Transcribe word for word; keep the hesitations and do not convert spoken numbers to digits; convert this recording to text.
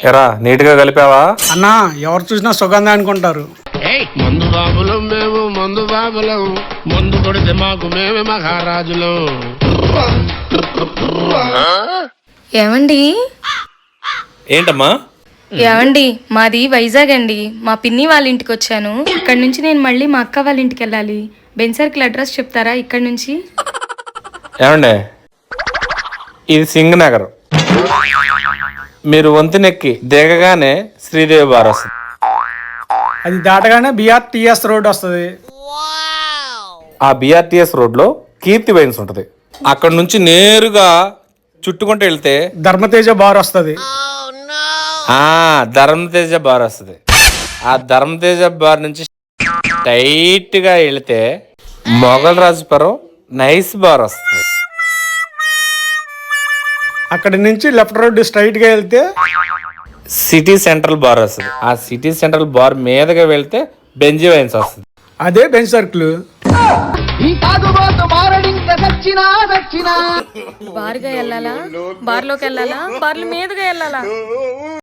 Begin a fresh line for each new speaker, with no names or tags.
ఎరా నీట్ గా కలిపావా?
అన్నా ఎవరు చూసినా సుగంధ అనుకుంటారు.
మందు బాబులం మేము, మందు బాబులం, మందు కొడితే మాకు మేమే మహారాజులం.
ఏమండి
ఏంటమ్మా?
ఏమండి మాది వైజాగ్ అండి. మా పిన్ని వాళ్ళ ఇంటికి వచ్చాను. ఇక్కడ నుంచి నేను మళ్ళీ మా అక్క వాళ్ళ ఇంటికి వెళ్ళాలి. బెన్ సర్కిల్ అడ్రస్ చెప్తారా ఇక్కడ నుంచి?
ఏమండే, ఇది సింగ్ నగర్. మీరు వంతెనెక్కి దిగగానే శ్రీదేవి బార్ వస్తుంది.
అది దాటగానే బిఆర్టీఎస్ రోడ్ వస్తుంది.
ఆ బిఆర్టీఎస్ రోడ్ లో కీర్తి వైన్స్ ఉంటది. అక్కడ నుంచి నేరుగా చుట్టుకుంటూ వెళ్తే
ధర్మతేజ బార్ వస్తుంది.
ఆ ధర్మతేజ బార్ వస్తుంది. ఆ ధర్మతేజ బార్ నుంచి టైట్ గా వెళితే మొఘల్ రాజపురం నైస్ బార్ వస్తుంది.
అక్కడి నుంచి లెఫ్ట్ రోడ్ స్ట్రైట్ గా వెళ్తే
సిటీ సెంట్రల్ బార్ వస్తుంది. ఆ సిటీ సెంట్రల్ బార్ మీదగా వెళ్తే బెంజీ వైన్స్ వస్తుంది.
అదే బెంచ్ సర్కిల్.
బార్గా వెళ్ళాలా? బార్లోకి వెళ్ళాలా? బార్ల మీదుగా వెళ్ళాలా?